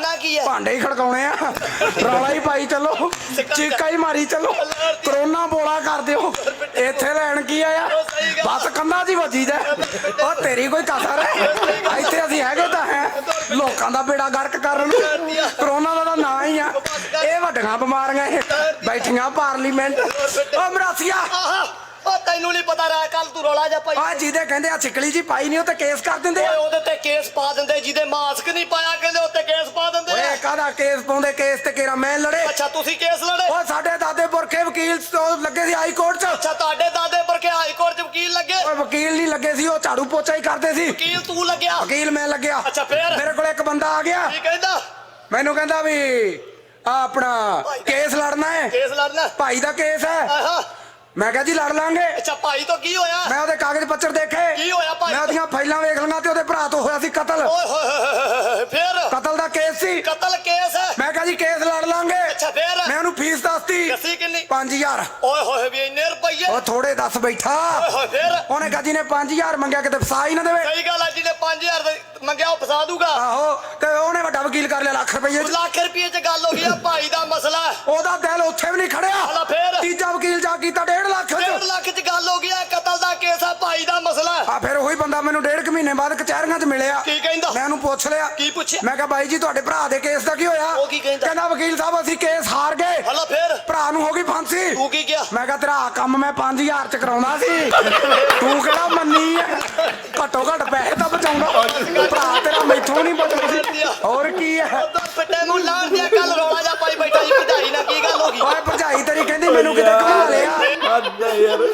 ਭਾਂਡੇ ਹੀ ਖੜਕਾਉਣੇ ਆ ਰੌਲਾ ਹੀ ਪਾਈ ਚੱਲੋ ਚੀਕਾ ਹੀ ਮਾਰੀ ਚੱਲੋ ਕਰੋਨਾ ਬੋਲਾ ਕਰ ਦਿਓ ਇੱਥੇ ਲੈਣ ਕੀ ਆਇਆ ਬਸ ਕੰਧਾਂ 'ਚ ਹੀ ਵੱਜੀ ਜਾ ਉਹ ਤੇਰੀ ਕੋਈ ਕਸਰ ਹੈ ਇੱਥੇ ਅਸੀਂ ਹੈਗੇ ਤਾਂ ਹੈ ਲੋਕਾਂ ਦਾ ਬੇੜਾ ਗਰਕ ਕਰਨ ਨੂੰ ਕਰੋਨਾ ਦਾ ਤਾਂ ਨਾਂ ਹੀ ਆ ਇਹ ਵੱਡੀਆਂ ਬਿਮਾਰੀਆਂ ਇਹ ਬੈਠੀਆਂ ਪਾਰਲੀਮੈਂਟ ਉਹ ਮਰਾਸੀਆ
ਉਹ ਤੈਨੂੰ ਨਹੀਂ ਪਤਾ ਰਿਹਾ ਕੱਲ ਤੂੰ ਰੌਲਾ ਜਾ ਪਾਈ
ਆ ਜਿਹਦੇ ਕਹਿੰਦੇ ਆ ਛਿਕਲੀ ਜੀ ਪਾਈ ਨਹੀਂ ਉਹ ਤੇ ਕੇਸ ਕਰ ਦਿੰਦੇ
ਓਏ
ਆ
ਉਹਦੇ ਤੇ ਕੇਸ ਪਾ ਦਿੰਦੇ ਜਿਹਦੇ ਮਾਸਕ ਨਹੀਂ ਪਾਇਆ ਕਹਿੰਦੇ ਉੱਤੇ ਕੇਸ ਪਾ ਦਿੰਦੇ
ਓਏ ਕਾਹਦਾ ਕੇਸ ਪਾਉਂਦੇ ਕੇਸ ਤੇ ਕਿਹੜਾ ਮੈਂ ਲੜੇ
ਅੱਛਾ ਤੁਸੀਂ ਕੇਸ ਲੜੇ
ਉਹ ਸਾਡੇ ਦਾਦੇ ਪੁਰਖੇ ਵਕੀਲ ਤੋਂ ਲੱਗੇ ਸੀ ਹਾਈ ਕੋਰਟ 'ਚ
ਅੱਛਾ ਤੁਹਾਡੇ ਦਾਦੇ ਵਰਗੇ ਹਾਈ ਕੋਰਟ 'ਚ ਵਕੀਲ ਲੱਗੇ
ਓਏ ਵਕੀਲ ਨਹੀਂ ਲੱਗੇ ਸੀ ਉਹ ਝਾੜੂ ਪੋਚਾ ਹੀ ਕਰਦੇ ਸੀ
ਵਕੀਲ ਤੂੰ ਲੱਗਿਆ
ਵਕੀਲ ਮੈਂ ਲੱਗਿਆ
ਅੱਛਾ ਫੇਰ
ਮੇਰੇ ਕੋਲ ਇੱਕ ਬੰਦਾ ਆ ਗਿਆ
ਕੀ ਕਹਿੰਦਾ
ਮੈਨੂੰ ਕਹਿੰਦਾ ਵੀ ਆ ਆਪਣਾ ਕੇਸ ਲੜਨਾ ਹੈ
ਕੇਸ ਲੜਨਾ
ਭਾਈ ਦਾ ਕੇਸ ਹੈ
ਆਹਾ
ਮੈਂ ਕਿਹਾ ਜੀ ਲੜ ਲਾਂਗੇ
ਅੱਛਾ ਭਾਈ ਤੋਂ ਕੀ ਹੋਇਆ
ਮੈਂ ਉਹਦੇ ਕਾਗਜ਼ ਪੱਤਰ ਦੇਖੇ
ਕੀ ਹੋਇਆ ਭਾਈ
ਮੈਂ ਉਹਦੀਆਂ ਫਾਈਲਾਂ ਵੇਖ ਲਈਆਂ ਤੇ ਉਹਦੇ ਭਰਾ ਤੋਂ ਹੋਇਆ ਸੀ ਕਤਲ
ਓਏ ਹੋਏ ਹੋਏ ਫੇਰ
ਕਤਲ ਦਾ ਕੇਸ ਸੀ
ਕਤਲ ਕੇਸ ਹੈ
ਮੈਂ ਕਿਹਾ ਜੀ ਕੇਸ ਲੜ ਲਾਂਗੇ
ਅੱਛਾ ਫੇਰ
ਮੈਂ ਉਹਨੂੰ ਫੀਸ ਦੱਸਤੀ
ਦੱਸੀ ਕਿੰਨੀ
5000
ਓਏ ਹੋਏ ਵੀ ਇੰਨੇ ਰੁਪਈਏ
ਉਹ ਥੋੜੇ ਦੱਸ ਬੈਠਾ
ਓਏ ਹੋਏ ਫੇਰ
ਉਹਨੇ ਕਹਾ ਜੀ ਨੇ 5000 ਮੰਗਿਆ ਕਿਤੇ ਫਸਾ ਹੀ ਨਾ ਦੇਵੇ
ਸਹੀ ਗੱਲ ਆ ਜਿਹਨੇ 5000 ਮੰਗਿਆ ਉਹ ਫਸਾ ਦੂਗਾ
ਆਹੋ ਤੇ ਉਹਨੇ ਵੱਡਾ ਵਕੀਲ ਕਰ ਲਿਆ ਲੱਖ ਰੁਪਏ 'ਚ
ਲੱਖ ਰੁਪਏ 'ਚ ਗੱਲ ਹੋ ਗਈ ਆ ਭਾਈ ਦਾ ਮਸਲਾ ਹੈ
ਉਹਦਾ ਦਿਲ ਉੱਥੇ ਵੀ ਨਹੀਂ ਖੜਿਆ
ਹਲਾ ਫੇਰ
ਤੀਜਾ ਵਕੀਲ ਜਾ ਕੀਤਾ 1.5 ਲੱਖ
1.5
'ਚ
ਲੱਖ 'ਚ ਗੱਲ ਹੋ ਗਈ ਆ ਕਤਲ ਦਾ ਕੇਸ ਆ ਭਾਈ ਦਾ ਮਸਲਾ ਹੈ
ਆ ਫਿਰ ਉਹੀ ਬੰਦਾ ਮੈਨੂੰ 1.5 ਮਹੀਨੇ ਬਾਅਦ ਕਚਹਿਰੀਆਂ 'ਚ ਮਿਲਿਆ
ਕੀ ਕਹਿੰਦਾ
ਮੈਂ ਉਹਨੂੰ ਪੁੱਛ ਲਿਆ
ਕੀ ਪੁੱਛਿਆ
ਮੈਂ ਕਿਹਾ ਬਾਈ ਜੀ ਤੁਹਾਡੇ ਭਰਾ ਦੇ ਕੇਸ ਦਾ ਕੀ ਹੋਇਆ
ਉਹ ਕੀ ਕਹਿੰਦਾ?
ਕਹਿੰਦਾ ਵਕੀਲ ਸਾਹਿਬ ਅਸੀਂ ਕੇਸ ਹਾਰ ਗਏ
ਹਲਾ ਫੇਰ
ਭਰਾ ਨੂੰ ਹੋ ਗਈ ਫਾਂਸੀ
ਤੂੰ ਕੀ ਕਿਹਾ
ਮੈਂ ਕਿਹਾ ਤੇਰਾ ਆਹ ਕੰਮ ਮੈਂ 5000 ਚ ਕਰਾਉਣਾ ਸੀ ਤੂੰ ਕਿਹੜਾ ਮੰਨੀ ਹੈ ਘੱਟੋ ਘੱਟ ਪੈਸੇ ਤਾਂ ਬਚਾਉਂਦਾ ਭਰਾ ਤੇਰਾ ਮੈਥੋਂ ਨਹੀਂ ਬਚਦਾ ਸੀ ਹੋਰ ਕੀ ਹੈ
ਉਧਰ ਫਿੱਟੇ ਨੂੰ ਲਾਣ ਦਿਆ ਕੱਲ ਰੌਲਾ ਜਾ ਪਾਈ ਬੈਠਾ ਜੀ ਭਜਾਈ ਨਾਲ ਕੀ ਗੱਲ ਹੋ ਗਈ
ਓਏ ਭਰਜਾਈ ਤੇਰੀ ਕਹਿੰਦੀ ਮੈਨੂੰ ਕਿਤੇ ਘੁਮਾ ਲਿਆ
ਅੱਧਾ ਯਾਰ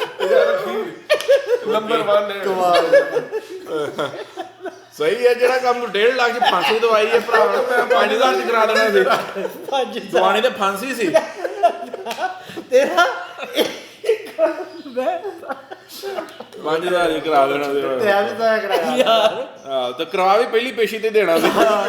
ਨੰਬਰ 1 ਸਹੀ ਹੈ ਜਿਹੜਾ ਕੰਮ ਨੂੰ 1.5 ਲੱਖ ਚ ਫਾਂਸੀ ਦਵਾਈ ਹੈ ਭਰਾ ਨੂੰ ਮੈਂ 5000 ਚ ਕਰਾ ਦੇਣਾ ਸੀ ਦਵਾਣੀ ਤੇ ਫਾਂਸੀ ਸੀ
ਤੇਰਾ
5000 ਹੀ ਕਰਾ ਦੇਣਾ ਸੀ
ਵੀ ਤਾਂ ਕਰਾਇਆ
ਯਾਰ
ਹਾਂ ਤੇ ਕਰਾ ਵੀ ਪਹਿਲੀ ਪੇਸ਼ੀ ਤੇ ਦੇਣਾ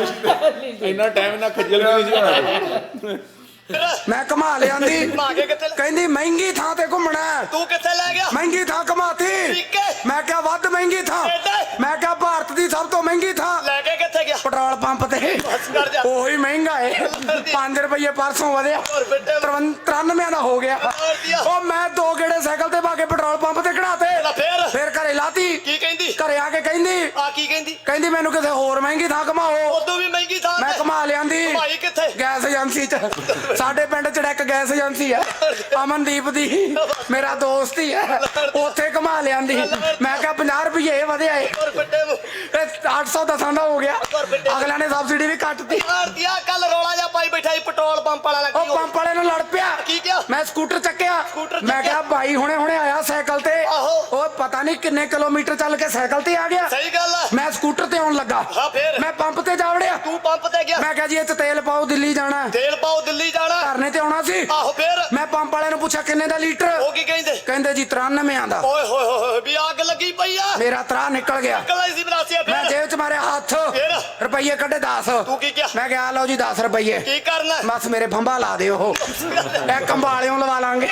ਸੀ ਇੰਨਾ ਟਾਈਮ ਨਾ ਖੱਜਲ ਵੀ ਨਹੀਂ ਸੀ ਹੋਣਾ
ਮੈਂ ਘੁਮਾ ਲਿਆਂਦੀ
ਘੁਮਾ ਕੇ ਕਿੱਥੇ ਲੈ-
ਕਹਿੰਦੀ ਮਹਿੰਗੀ ਥਾਂ ਤੇ ਘੁੰਮਣਾ ਹੈ।
ਤੂੰ ਕਿੱਥੇ ਲੈ ਗਿਆ
ਮਹਿੰਗੀ ਥਾਂ ਘੁਮਾਤੀ
ਠੀਕ ਹੈ
ਮੈਂ ਕਿਹਾ ਵੱਧ ਮਹਿੰਗੀ ਥਾਂ
ਏਦਾਂ?
ਮੈਂ ਕਿਹਾ ਭਾਰਤ ਦੀ ਸਭ ਤੋਂ ਮਹਿੰਗੀ ਥਾਂ
ਲੈ ਕੇ ਕਿੱਥੇ ਗਿਆ
ਪੈਟਰੋਲ ਪੰਪ ਤੇ
ਬਸ ਕਰ ਜਾ
ਉਹੀ ਮਹਿੰਗਾ ਹੈ 5 ਰੁਪਏ ਪਰਸੋਂ ਵਧਿਆ
ਹੋਰ ਬੇਟੇ
93 ਦਾ ਹੋ ਗਿਆ ਉਹ ਮੈਂ 2 ਗੇੜੇ ਸਾਈਕਲ ਤੇ ਪਾ ਕੇ ਪੈਟਰੋਲ ਪੰਪ ਤੇ ਖੜਾਤੇ
ਲੈ ਫੇਰ
ਫਿਰ ਘਰੇ ਲਾਤੀ
ਕੀ ਕਹਿੰਦੀ
ਘਰੇ ਆ ਕੇ ਕਹਿੰਦੀ
ਆ ਕੀ ਕਹਿੰਦੀ
ਕਹਿੰਦੀ ਮੈਨੂੰ ਕਿਸੇ ਹੋਰ ਮਹਿੰਗੀ ਥਾਂ ਘੁਮਾਓ
ਉਦੋਂ ਵੀ ਮਹਿੰਗੀ ਥਾਂ
ਮੈਂ
ਤੇ
ਘੁਮਾ ਲਿਆਂਦੀ
ਭਾਈ ਕਿੱਥੇ
ਗੈਸ ਏਜੰਸੀ ਚ ਸਾਡੇ ਪਿੰਡ ਚ ਇੱਕ ਗੈਸ ਏਜੰਸੀ ਹੈ ਅਮਨਦੀਪ ਦੀ ਮੇਰਾ ਦੋਸਤ ਹੀ ਹੈ ਉੱਥੇ ਘੁਮਾ ਲਿਆਂਦੀ ਮੈਂ ਕਿਹਾ 50 ਰੁਪਏ ਵਧਿਆ ਏ
ਹੋਰ ਫਿੱਟੇ ਨੂੰ
ਇਹ 810 ਦਾ ਹੋ ਗਿਆ ਅਗਲਿਆਂ ਨੇ ਸਬਸਿਡੀ ਵੀ ਕੱਟਤੀ
ਆਰਤੀਆ ਕੱਲ ਰੌਲਾ ਜਾ ਪਾਈ ਬੈਠਾ ਸੀ ਪੈਟਰੋਲ ਪੰਪ ਵਾਲਾ ਲੱਗੀ
ਉਹ ਪੰਪ ਵਾਲੇ ਨੂੰ ਲੜ ਪਿਆ
ਕੀ ਕਿਹਾ
ਮੈਂ ਸਕੂਟਰ ਚੱਕਿਆ
ਸਕੂਟਰ
ਮੈਂ ਕਿਹਾ ਭਾਈ ਹੁਣੇ ਹੁਣੇ ਆਇਆ ਸਾਈਕਲ ਤੇ
ਆਹੋ।
ਉਹ ਪਤਾ ਨਹੀਂ ਕਿੰਨੇ ਕਿਲੋਮੀਟਰ ਚੱਲ ਕੇ ਸਾਈਕਲ ਤੇ ਆ ਗਿਆ
ਸਹੀ ਗੱਲ ਹੈ
ਮੈਂ ਸਕੂਟਰ ਤੇ ਆਉਣ ਲੱਗਾ
ਹਾਂ ਫੇਰ
ਮੈਂ ਪੰਪ ਤੇ ਜਾ ਵੜਿਆ
ਤੂੰ ਪੰਪ ਤੇ ਗਿਆ
ਮੈਂ ਕਿਹਾ ਜੀ ਇਹ 'ਚ ਤੇਲ ਪਾਓ ਦਿੱਲੀ ਜਾਣਾ
ਤੇਲ ਪਾਓ ਦਿੱਲੀ ਜਾਣਾ
ਧਰਨੇ ਤੇ ਆਉਣਾ ਸੀ
ਆਹੋ ਫੇਰ
ਮੈਂ ਪੰਪ ਵਾਲੇ ਨੂੰ ਪੁੱਛਿਆ ਕਿੰਨੇ ਦਾ ਲੀਟਰ
ਉਹ ਕੀ ਕਹਿੰਦੇ
ਕਹਿੰਦੇ ਜੀ 93 ਆਂਦਾ
ਓਏ ਹੋਏ ਹੋਏ ਵੀ ਅੱਗ ਲੱਗੀ ਪਈ ਆ
ਮੇਰਾ ਤਰਾ ਨਿਕਲ ਗਿਆ
ਕੱਲਾ ਸੀ ਬਰਾਸੀਆ
ਮੈਂ
ਫੇਰ
ਜੇਬ 'ਚ ਮਾਰਿਆ ਹੱਥ
ਫੇਰ?
ਰੁਪਈਏ ਕੱਢੇ 10
ਤੂੰ ਕੀ ਕਿਹਾ
ਮੈਂ ਕਿਹਾ ਲਓ ਜੀ 10 ਰੁਪਈਏ
ਕੀ ਕਰਨਾ
ਬਸ ਮੇਰੇ ਫੰਬਾ ਲਾ ਦਿਓ ਉਹ ਇੱਕ ਅੰਬਾਲਿਓਂ ਲਵਾ ਲਾਂਗੇ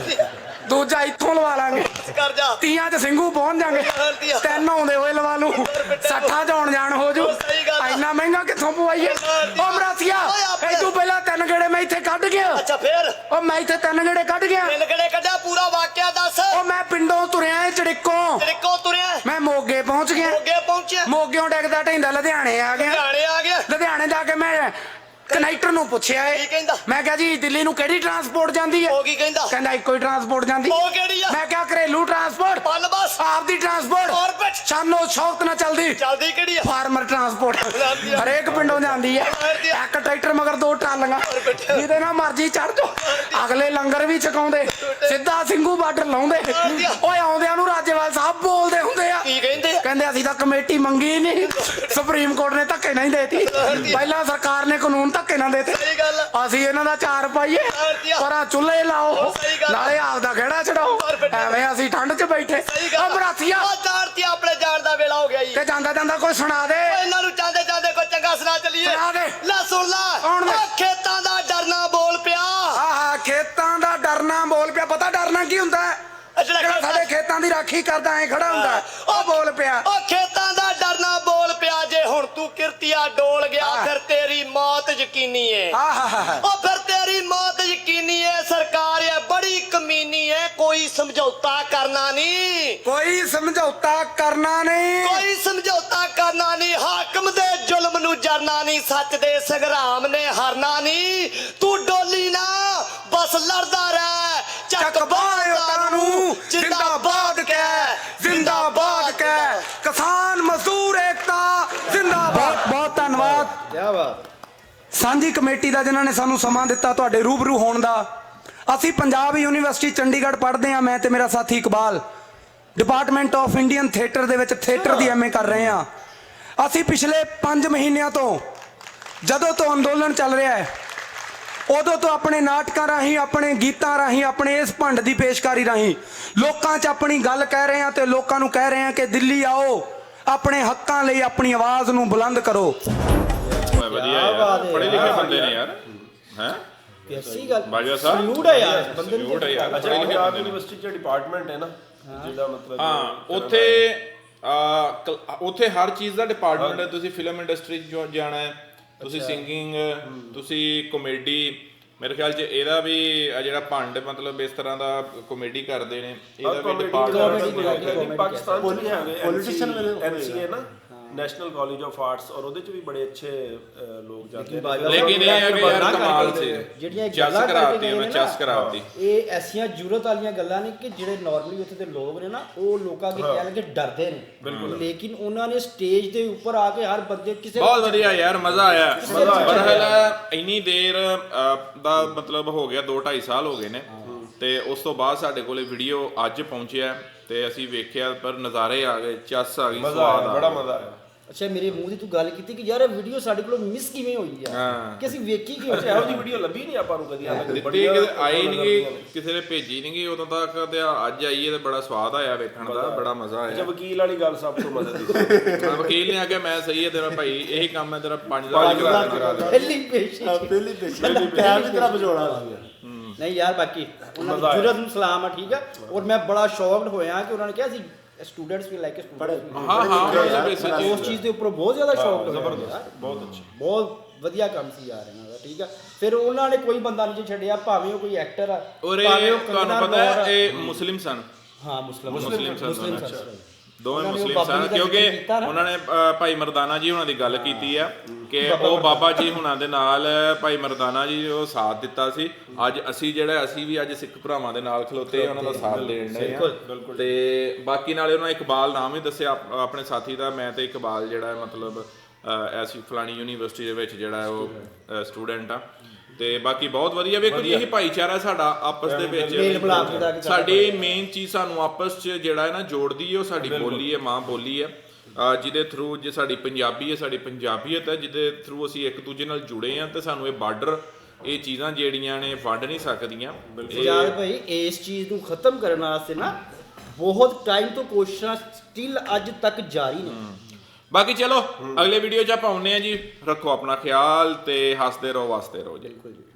ਦੂਜਾ ਇੱਥੋਂ ਲਵਾ ਲਾਂਗੇ
ਕਰ ਜਾ
ਤੀਆਂ 'ਚ ਸਿੰਘੂ ਪਹੁੰਚ ਜਾਾਂਗੇ 3 ਆਉਂਦੇ ਹੋਏ ਲਵਾ ਲੂ 60 'ਚ ਆਉਣ ਜਾਣ ਹੋ ਜੂ
ਸਹੀ ਗੱਲ ਆ।
ਇੰਨਾ ਮਹਿੰਗਾ ਕਿੱਥੋਂ ਪਵਾਈਏ ਉਹ ਮਰਾਸੀਆ ਇਹ ਤੂੰ ਪਹਿਲਾਂ 3 ਗੇੜੇ ਮੈਂ ਇੱਥੇ ਕੱਢ ਗਿਆ
ਅੱਛਾ ਫੇਰ
ਉਹ ਮੈਂ ਇੱਥੇ 3 ਗੇੜੇ ਕੱਢ ਗਿਆ
ਤਿੰਨ ਕਿਹੜੇ ਕੱਢਿਆ ਪੂਰਾ ਵਾਕਿਆ ਦੱਸ
ਉਹ ਮੈਂ ਪਿੰਡੋਂ ਤੁਰਿਆ ਚੜਿੱਕੋਂ
ਤੇਰੇ ਤੁਰਿਆ
ਮੈਂ ਮੋਗੇ ਪਹੁੰਚ ਗਿਆ
ਅੱਗੇ ਪਹੁੰਚਿਆ
ਮੋਗਿਓਂ ਡਿੱਗਦਾ ਢੈਂਦਾ ਲੁਧਿਆਣੇ ਆ ਗਿਆ
ਹਰਿਆਣੇ ਆ ਗਿਆ
ਲੁਧਿਆਣੇ ਜਾ ਕੇ ਮੈਂ ਕਨੈਕਟਰ ਨੂੰ ਪੁੱਛਿਆ
ਕੀ ਕਹਿੰਦਾ?
ਮੈਂ ਕਿਹਾ ਜੀ ਦਿੱਲੀ ਨੂੰ ਕਿਹੜੀ ਟਰਾਂਸਪੋਰਟ ਜਾਂਦੀ ਹੈ
ਉਹ ਕੀ ਕਹਿੰਦਾ
ਕਹਿੰਦਾ ਇੱਕੋ ਹੀ ਟਰਾਂਸਪੋਰਟ ਜਾਂਦੀ
ਉਹ ਕਿਹੜੀ ਆ
ਮੈਂ ਕਿਹਾ ਘਰੇਲੂ ਟਰਾਂਸਪੋਰਟ
ਪਲ ਬਸ
ਆਪਦੀ ਟਰਾਂਸਪੋਰਟ
ਆਰਬਿਟ
ਸ਼ਾਨੋ ਸ਼ੌਕਤ ਨਾਲ ਚੱਲਦੀ
ਚੱਲਦੀ ਕਿਹੜੀ ਆ
ਫਾਰਮਰ ਟਰਾਂਸਪੋਰਟ
ਜਾਂਦੀ ਆ।
ਹਰੇਕ ਪਿੰਡੋਂ ਜਾਂਦੀ ਹੈ
ਜਾਂਦੀ ਆ।
ਇੱਕ ਟਰੈਕਟਰ ਮਗਰ 2 ਟਰਾਲੀਆਂ ਜਿਹਦੇ ਨਾਲ ਮਰਜ਼ੀ ਚੜ ਜਾਓ ਅਗਲੇ ਲੰਗਰ ਵੀ ਛਕਾਉਂਦੇ ਸਿੱਧਾ ਸਿੰਘੂ ਬਾਰਡਰ ਲਾਉਂਦੇ
ਜਾਂਦੀ ਆ।
ਓਏ ਆਉਂਦਿਆਂ ਨੂੰ ਰਾਜੇਵਾਲ ਸਾਹਿਬ ਬੋਲਦੇ ਹੁੰਦੇ ਆ
ਕੀ ਕਹਿੰਦੇ ਆ?
ਕਹਿੰਦੇ ਅਸੀਂ ਤਾਂ ਕਮੇਟੀ ਮੰਗੀ ਨਹੀਂ ਸੁਪਰੀਮ ਕੋਰਟ ਨੇ ਧੱਕੇ ਨਹੀਂ ਦੇਤੀ ਪਹਿਲਾਂ ਸਰਕਾਰ ਨੇ ਕਾਨੂੰਨ ਧੱਕੇ ਨਾਲ ਦੇਤੇ
ਸਹੀ ਗੱਲ ਆ।
ਅਸੀਂ ਇਹਨਾਂ ਦਾ 4 ਪਾਈਏ
ਜਾਂਦੀ ਆ।
ਪਰ ਆ ਚੁੱਲ੍ਹੇ ਲਾਓ
ਸਹੀ ਗੱਲ ਆ।
ਨਾਲੇ ਆਪਦਾ ਖੇੜਾ ਚੜਾਓ ਐਵੇਂ ਅਸੀਂ ਠੰਡ 'ਚ ਬੈਠੇ
ਸਹੀ
ਆ
ਗੱਲ ਆ।
ਬਰਾਸੀਆ
ਉਹ ਜਾਣਤੀ ਆਪਣੇ ਜਾਣ ਦਾ ਵੇਲਾ ਹੋ ਗਿਆ ਜੀ
ਤੇ ਜਾਂਦਾ ਜਾਂਦਾ ਕੋਈ ਸੁਣਾ ਦੇ
ਇਹਨਾਂ ਨੂੰ ਜਾਂਦੇ ਜਾਂਦੇ ਕੋਈ ਚੰਗਾ ਸੁਣਾ ਚੱਲੀਏ
ਸੁਣਾ ਦੇ।
ਲੈ ਸੁਣ ਲੈ
ਕੌਣ ਦੇ?
ਉਹ ਖੇਤਾਂ ਦਾ ਡਰਨਾ ਬੋਲ ਪਿਆ
ਆਹਾ ਖੇਤਾਂ ਦਾ ਡਰਨਾ ਬੋਲ ਪਿਆ ਪਤਾ ਡਰਨਾ ਕੀ ਹੁੰਦਾ ਹੈ
ਜਿਹੜਾ
ਜਿਹੜਾ ਸਾਡੇ ਖੇਤਾਂ ਦੀ ਰਾਖੀ ਕਰਦਾ ਐ ਖੜਾ ਹੁੰਦਾ ਉਹ ਬੋਲ ਪਿਆ
ਉਹ ਖੇਤਾਂ ਦਾ ਡਰਨਾ ਬੋਲ ਪਿਆ ਜੇ ਹੁਣ ਤੂੰ ਕਿਰਤੀਆ ਡੋਲ ਗਿਆ
ਹਾਂ।
ਫਿਰ ਤੇਰੀ ਮੌਤ ਯਕੀਨੀ ਏ
ਆਹਾਹਾ
ਉਹ ਫਿਰ ਤੇਰੀ ਮੌਤ ਯਕੀਨੀ ਏ ਸਰਕਾਰ ਏ ਬੜੀ ਕਮੀਨੀ ਏ ਕੋਈ ਸਮਝੌਤਾ ਕਰਨਾ ਨਹੀਂ
ਕੋਈ ਸਮਝੌਤਾ ਕਰਨਾ ਨਹੀਂ
ਕੋਈ ਸਮਝੌਤਾ ਕਰਨਾ ਨਹੀਂ ਹਾਕਮ ਦੇ ਜ਼ੁਲਮ ਨੂੰ ਜਰਨਾ ਨਹੀਂ ਸੱਚ ਦੇ ਸੰਗਰਾਮ ਨੇ ਹਰਨਾ ਨਹੀਂ ਤੂੰ ਡੋਲੀ ਨਾ ਬਸ ਲੜਦਾ ਰਹਿ ਚੱਕ ਬਾਹਾਂ ਨੂੰ ਜਿੰਦਾਬਾਦ ਕਹਿ
ਜ਼ਿੰਦਾਬਾਦ ਕਹਿ ਕਿਸਾਨ ਮਜ਼ਦੂਰ ਏਕਤਾ ਜ਼ਿੰਦਾਬਾਦ ਬਹੁਤ ਧੰਨਵਾਦ
ਕੀ ਬਾਤ
ਸਾਂਝੀ ਕਮੇਟੀ ਦਾ ਜਿਨ੍ਹਾਂ ਨੇ ਸਾਨੂੰ ਸਮਾਂ ਦਿੱਤਾ ਤੁਹਾਡੇ ਰੂਬਰੂ ਹੋਣ ਦਾ ਅਸੀਂ ਪੰਜਾਬ ਯੂਨੀਵਰਸਿਟੀ ਚੰਡੀਗੜ੍ਹ ਪੜ੍ਹਦੇ ਹਾਂ ਮੈਂ ਤੇ ਮੇਰਾ ਸਾਥੀ Iqbal department of Indian theatre ਦੇ ਵਿੱਚ ਥੀਏਟਰ ਦੀ ਐਮਏ ਕਰ ਰਹੇ ਹਾਂ ਅਸੀਂ ਪਿਛਲੇ 5 ਮਹੀਨਿਆਂ ਤੋਂ ਜਦੋਂ ਤੋਂ ਅੰਦੋਲਨ ਚੱਲ ਰਿਹਾ ਹੈ ਉਦੋਂ ਤੋਂ ਆਪਣੇ ਨਾਟਕਾਂ ਰਾਹੀਂ ਆਪਣੇ ਗੀਤਾਂ ਰਾਹੀਂ ਆਪਣੇ ਇਸ ਭੰਡ ਦੀ ਪੇਸ਼ਕਾਰੀ ਰਾਹੀਂ ਲੋਕਾਂ 'ਚ ਆਪਣੀ ਗੱਲ ਕਹਿ ਰਹੇ ਹਾਂ ਤੇ ਲੋਕਾਂ ਨੂੰ ਕਹਿ ਰਹੇ ਹਾਂ ਕਿ ਦਿੱਲੀ ਆਓ ਆਪਣੇ ਹੱਕਾਂ ਲਈ ਆਪਣੀ ਆਵਾਜ਼ ਨੂੰ ਬੁਲੰਦ ਕਰੋ
ਵਧੀਆ ਯਾਰ ਪੜ੍ਹੇ ਲਿਖੇ ਬੰਦੇ ਨੇ ਯਾਰ ਹੈ
ਕੈਸੀ ਗੱਲ
ਬਾਜਵਾ ਸਾਹਿਬ
ਸਲੂਟ ਹੈ ਯਾਰ ਬੰਦੇ ਨੂੰ
ਸਲੂਟ ਹੈ ਯਾਰ
ਅੱਛਾ ਪੰਜਾਬ ਯੂਨੀਵਰਸਿਟੀ ਚ ਡਿਪਾਰਟਮੈਂਟ ਹੈ ਨਾ ਜਿਹਦਾ ਮਤਲਬ
ਹਾਂ ਉੱਥੇ ਹਰ ਚੀਜ਼ ਦਾ ਡਿਪਾਰਟਮੈਂਟ ਹੈ ਤੁਸੀਂ ਫਿਲਮ ਇੰਡਸਟਰੀ 'ਚ ਜਾਣਾ ਹੈ ਤੁਸੀਂ ਸਿੰਗਿੰਗ ਤੁਸੀਂ ਕਾਮੇਡੀ ਮੇਰੇ ਖਿਆਲ 'ਚ ਇਹਦਾ ਵੀ ਜਿਹੜਾ ਭੰਡ ਮਤਲਬ ਇਸ ਤਰ੍ਹਾਂ ਦਾ ਕਾਮੇਡੀ ਕਰਦੇ ਨੇ ਇਹਦਾ ਵੀ ਡਿਪਾਰਟਮੈਂਟ
ਪਾਕਿਸਤਾਨ ਚ ਵੀ ਹੈਗੇ ਪੋਲੀਟੀਸ਼ੀਅਨ ਐਨਸੀਏ ਨਾ ਨੈਸ਼ਨਲ ਕਾਲਜ ਆਫ ਆਰਟਸ ਔਰ ਉਹਦੇ ਚ ਵੀ ਬੜੇ ਅੱਛੇ ਲੋਕ ਜਾਂਦੇ ਨੇ
ਲੇਕਿਨ ਇਹ ਹੈ ਕਿ ਯਾਰ ਕਮਾਲ ਸੀ
ਜਿਹੜੀਆਂ
ਚੈਸ ਕਰਾਤੀ ਉਹਨੇ ਚੈਸ ਕਰਾਤੀ
ਇਹ ਐਸੀਆਂ ਜ਼ਰੂਰਤ ਵਾਲੀਆਂ ਗੱਲਾਂ ਨੇ ਕਿ ਜਿਹੜੇ ਨਾਰਮਲੀ ਉੱਥੇ ਦੇ ਲੋਕ ਨੇ ਨਾ ਉਹ ਲੋਕਾਂ ਅੱਗੇ ਕਹਿ ਲਗੇ ਡਰਦੇ ਨੇ ਲੇਕਿਨ ਉਹਨਾਂ ਨੇ ਸਟੇਜ ਦੇ ਉੱਪਰ ਆ ਕੇ ਹਰ ਬੰਦੇ ਕਿਸੇ
ਬਹੁਤ ਵਧੀਆ ਯਾਰ ਮਜ਼ਾ ਆਇਆ ਬਰਹਲ ਇੰਨੀ ਦੇਰ ਦਾ ਮਤਲਬ ਹੋ ਗਿਆ 2-2.5 ਸਾਲ ਹੋ ਗਏ ਨੇ ਤੇ ਉਸ ਤੋਂ ਬਾਅਦ ਸਾਡੇ ਕੋਲੇ ਵੀਡੀਓ ਅੱਜ ਪਹੁੰਚਿਆ ਤੇ ਅਸੀਂ ਵੇਖਿਆ ਪਰ ਨਜ਼ਾਰੇ ਆ ਗਏ ਚੈਸ ਆ ਗਈ ਸਵਾਦ ਆ
ਬੜਾ ਮਜ਼ਾ ਆਇਆ
ਅੱਛਾ ਮੇਰੇ ਮੂੰਹ ਦੀ ਤੂੰ ਗੱਲ ਕੀਤੀ ਕਿ ਯਾਰ ਇਹ ਵੀਡੀਓ ਸਾਡੇ ਕੋਲੋਂ ਮਿਸ ਕਿਵੇਂ ਹੋਈ ਆ ਕਿ ਅਸੀਂ ਵੇਖੀ ਕਿਉਂ
ਇਹੋ ਜਿਹੀ ਵੀਡੀਓ ਲੱਭੀ ਨਹੀਂ ਆਪਾਂ ਨੂੰ ਕਦੀ
ਦਿੱਤੀ ਕਿਤੇ ਆਈ ਨਹੀਂ ਕਿਸੇ ਨੇ ਭੇਜੀ ਨਹੀਂ ਉਦੋਂ ਤੱਕ ਤੇ ਅੱਜ ਆਈ ਤੇ ਬੜਾ ਸਵਾਦ ਆਇਆ ਵੇਖਣ ਦਾ ਬੜਾ ਮਜ਼ਾ ਆਇਆ
ਅੱਛਾ ਵਕੀਲ ਵਾਲੀ ਗੱਲ ਸਭ ਤੋਂ ਮਜ਼ਾ ਦੀ
ਵਕੀਲ ਨੇ ਆ ਕੇ ਮੈਂ ਸਹੀ ਹੈ ਤੇਰਾ ਭਾਈ ਇਹੀ ਕੰਮ ਹੈ ਤੇਰਾ 5,000 ਕਰਾ ਦੇ
ਪਹਿਲੀ ਪੇਸ਼ੀ
ਪਹਿਲੀ ਟਾਈਮ ਵੀ ਤੇਰਾ ਬਜੋੜਾ ਸੀ
ਨਹੀਂ ਯਾਰ ਬਾਕੀ ਉਹਨਾਂ ਦੀ ਜੁਰਤ ਨੂੰ ਸਲਾਮ ਆ ਠੀਕ ਆ ਔਰ ਮੈਂ ਬੜਾ ਸ਼ੌਕਡ ਹੋਇਆ ਕਿ ਉਹਨਾਂ ਨੇ ਕਿਹਾ ਸੀ ਸਟੂਡੈਂਟਸ ਵੀ ਲਾਈਕ ਸਟੂਡੈਂਟਸ
ਹਾਂ
ਉਸ ਚੀਜ਼ ਦੇ ਉੱਪਰ ਬਹੁਤ ਜ਼ਿਆਦਾ ਸ਼ੌਕ
ਜ਼ਬਰਦਸਤ ਬਹੁਤ ਅੱਛੀ
ਬਹੁਤ ਵਧੀਆ ਕੰਮ ਸੀ ਯਾਰ ਇਹਨਾਂ ਦਾ ਠੀਕ ਆ ਫਿਰ ਉਹਨਾਂ ਨੇ ਕੋਈ ਬੰਦਾ ਨਹੀਂ ਛੱਡਿਆ ਭਾਵੇਂ ਉਹ ਕੋਈ ਐਕਟਰ ਆ
ਔਰ ਇਹ ਤੁਹਾਨੂੰ ਪਤਾ ਹੈ ਇਹ ਮੁਸਲਿਮ ਸਨ
ਹਾਂ ਮੁਸਲਿਮ
ਸਨ ਦੋਵੇਂ ਮੁਸਲਿਮ ਸਨ ਕਿਉਂਕਿ ਉਹਨਾਂ ਨੇ ਭਾਈ ਮਰਦਾਨਾ ਜੀ ਉਹਨਾਂ ਦੀ ਗੱਲ ਕੀਤੀ ਆ ਕਿ ਉਹ ਬਾਬਾ ਜੀ ਹੁਣਾਂ ਦੇ ਨਾਲ ਭਾਈ ਮਰਦਾਨਾ ਜੀ ਉਹ ਸਾਥ ਦਿੱਤਾ ਸੀ ਅੱਜ ਅਸੀਂ ਵੀ ਅੱਜ ਸਿੱਖ ਭਰਾਵਾਂ ਦੇ ਨਾਲ ਖਲੋਤੇ ਉਹਨਾਂ ਦਾ ਸਾਥ ਦੇਣ ਦੇ ਆ ਤੇ ਬਾਕੀ ਨਾਲੇ ਉਹਨਾਂ ਇਕਬਾਲ ਨਾਮ ਹੀ ਦੱਸਿਆ ਆਪਣੇ ਸਾਥੀ ਦਾ ਮੈਂ ਤੇ ਇਕਬਾਲ ਜਿਹੜਾ ਮਤਲਬ ਐਸੀ ਫਲਾਣੀ ਯੂਨੀਵਰਸਿਟੀ ਦੇ ਵਿੱਚ ਜਿਹੜਾ ਉਹ ਸਟੂਡੈਂਟ ਆ ਤੇ ਬਾਕੀ ਬਹੁਤ ਵਧੀਆ ਵੇਖੋ ਜੀ ਇਹੀ ਭਾਈਚਾਰਾ ਸਾਡਾ ਆਪਸ ਦੇ ਵਿੱਚ ਸਾਡੀ ਮੇਨ ਚੀਜ਼ ਸਾਨੂੰ ਆਪਸ 'ਚ ਜਿਹੜਾ ਹੈ ਨਾ ਜੋੜਦੀ ਹੈ ਉਹ ਸਾਡੀ ਬੋਲੀ ਹੈ ਮਾਂ ਬੋਲੀ ਹੈ ਜਿਹਦੇ ਥਰੂ ਜੇ ਸਾਡੀ ਪੰਜਾਬੀ ਹੈ ਸਾਡੀ ਪੰਜਾਬੀਅਤ ਹੈ ਜਿਹਦੇ ਥਰੂ ਅਸੀਂ ਇੱਕ ਦੂਜੇ ਨਾਲ ਜੁੜੇ ਹਾਂ ਤੇ ਸਾਨੂੰ ਇਹ ਬਾਰਡਰ ਇਹ ਚੀਜ਼ਾਂ ਜਿਹੜੀਆਂ ਨੇ ਵੰਡ ਨਹੀਂ ਸਕਦੀਆਂ
ਯਾਰ ਭਾਈ ਇਸ ਚੀਜ਼ ਨੂੰ ਖਤਮ ਕਰਨ ਵਾਸਤੇ ਨਾ ਬਹੁਤ ਟਾਈਮ ਤੋਂ ਕੋਸ਼ਿਸ਼ਾਂ ਸਟਿਲ ਅੱਜ ਤੱਕ ਜਾਰੀ ਨੇ
ਬਾਕੀ ਚਲੋ ਅਗਲੇ ਵੀਡੀਓ 'ਚ ਆਪਾਂ ਆਉਂਦੇ ਹਾਂ ਜੀ ਰੱਖੋ ਆਪਣਾ ਖਿਆਲ ਤੇ ਹੱਸਦੇ ਰਹੋ ਵਸਦੇ ਰਹੋ ਜੀ